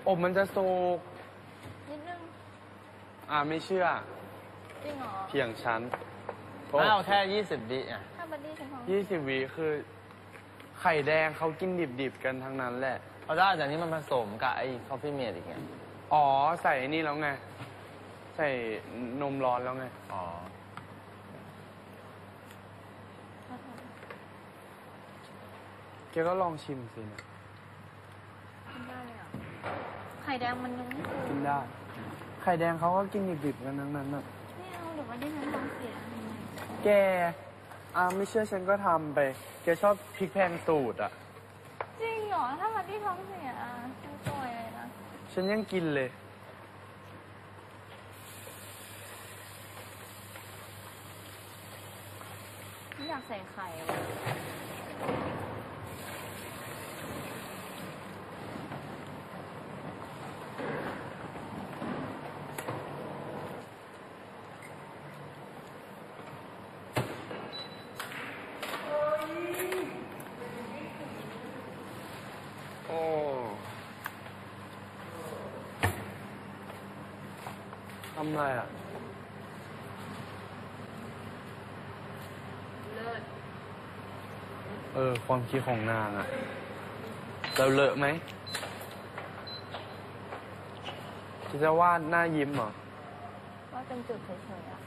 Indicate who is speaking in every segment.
Speaker 1: อบมันจะสุก
Speaker 2: นิดนึง
Speaker 1: ไม่เชื่อ
Speaker 2: จริงเหรอ
Speaker 1: เถียงฉัน
Speaker 3: ไม่เอาแค่20 วิอ่ะ
Speaker 2: ถ้าบัดดี้ฉันท้อง
Speaker 1: 20 วิคือไข่แดงเขากินดิบๆกันทั้งนั้นแหละ
Speaker 3: เอาได้แต่นี้มันผสมกับไอ้คอฟฟี่เมดอีกไง
Speaker 1: อ๋อใส่นี่แล้วไงใส่นมร้อนแล้วไง
Speaker 3: อ๋อ
Speaker 1: แกก็ลองชิมสินะ
Speaker 2: กินได้เลยอ่ะไข่แดงมันยังไม่ฟู
Speaker 1: กินได้ไข่แดงเขาก็กินดิบๆกันทั้งนั้นน่ะ
Speaker 2: ไม่เอาเดี๋ยวบัดดี้ฉันท้องเสีย
Speaker 1: แกไม่เชื่อฉันก็ทำไปแกชอบพริกแพงสูตรอ่ะ
Speaker 2: จริงเหรอถ้าบัดดี้ท้องเสียฉันป่วยเลยนะ
Speaker 1: ฉันยังกินเลย
Speaker 2: ไม่อยากใส่ไข่
Speaker 1: ทำไรอ่ะ
Speaker 2: เลิศ
Speaker 1: ความคิดของนางอ่ะเราเลอะไหมจะวาดหน้ายิ้มเหรอ
Speaker 2: ว่าเป็นจุดเฉยๆ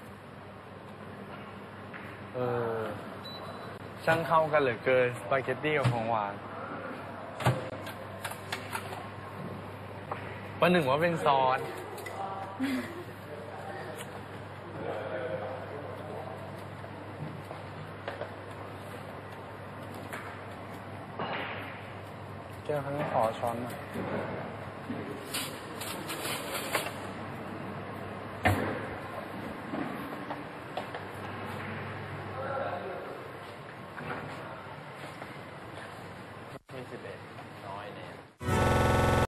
Speaker 1: ช่างเข้ากันเหลือเกินสปาเกตตี้กับของหวานประหนึ่งว่าเป็นซอสเจอครั้งขอช้อนมา